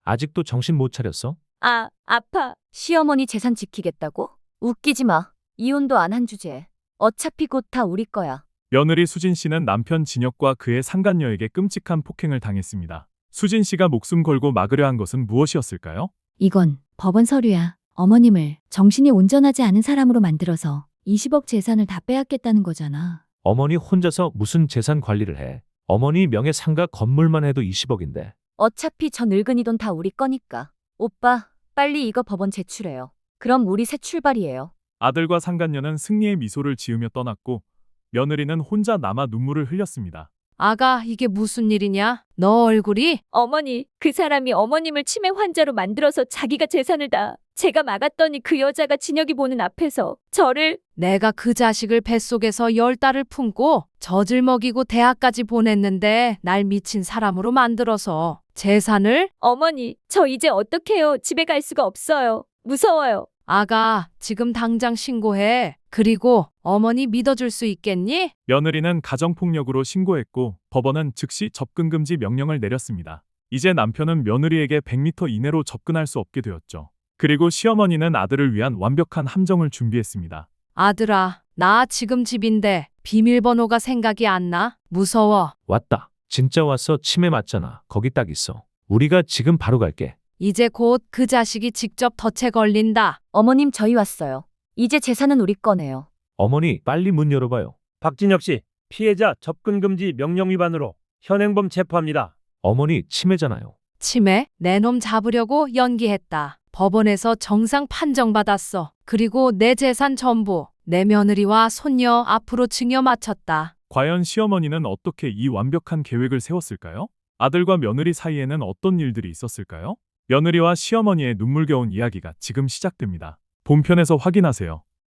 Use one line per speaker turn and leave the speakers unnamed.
아직도 정신 못 차렸어?
아파. 시어머니 재산 지키겠다고? 웃기지 마. 이혼도 안 한 주제에. 어차피 곧 다 우리 거야.
며느리 수진 씨는 남편 진혁과 그의 상간녀에게 끔찍한 폭행을 당했습니다. 수진 씨가 목숨 걸고 막으려 한 것은 무엇이었을까요?
이건 법원 서류야. 어머님을 정신이 온전하지 않은 사람으로 만들어서 20억 재산을 다 빼앗겠다는 거잖아.
어머니 혼자서 무슨 재산 관리를 해? 어머니 명의 상가 건물만 해도 20억인데.
어차피 저 늙은이 돈 다 우리 거니까. 오빠, 빨리 이거 법원 제출해요. 그럼 우리 새 출발이에요.
아들과 상간녀는 승리의 미소를 지으며 떠났고 며느리는 혼자 남아 눈물을 흘렸습니다.
아가, 이게 무슨 일이냐? 너 얼굴이?
어머니, 그 사람이 어머님을 치매 환자로 만들어서 자기가 재산을 다 제가 막았더니 그 여자가 진혁이 보는 앞에서 저를
내가 그 자식을 뱃속에서 10달을 품고 젖을 먹이고 대학까지 보냈는데 날 미친 사람으로 만들어서 재산을?
어머니, 저 이제 어떡해요? 집에 갈 수가 없어요. 무서워요.
아가, 지금 당장 신고해. 그리고 어머니 믿어줄 수 있겠니?
며느리는 가정폭력으로 신고했고 법원은 즉시 접근금지 명령을 내렸습니다. 이제 남편은 며느리에게 100m 이내로 접근할 수 없게 되었죠. 그리고 시어머니는 아들을 위한 완벽한 함정을 준비했습니다.
아들아, 나 지금 집인데 비밀번호가 생각이 안 나? 무서워.
왔다. 진짜 왔어. 치매 맞잖아. 거기 딱 있어. 우리가 지금 바로 갈게.
이제 곧 그 자식이 직접 덫에 걸린다.
어머님, 저희 왔어요. 이제 재산은 우리 거네요.
어머니 빨리 문 열어봐요.
박진혁 씨, 피해자 접근금지 명령 위반으로 현행범 체포합니다.
어머니 치매잖아요.
치매? 내 놈 잡으려고 연기했다. 법원에서 정상 판정받았어. 그리고 내 재산 전부 내 며느리와 손녀 앞으로 증여 마쳤다.
과연 시어머니는 어떻게 이 완벽한 계획을 세웠을까요? 아들과 며느리 사이에는 어떤 일들이 있었을까요? 며느리와 시어머니의 눈물겨운 이야기가 지금 시작됩니다. 본편에서 확인하세요.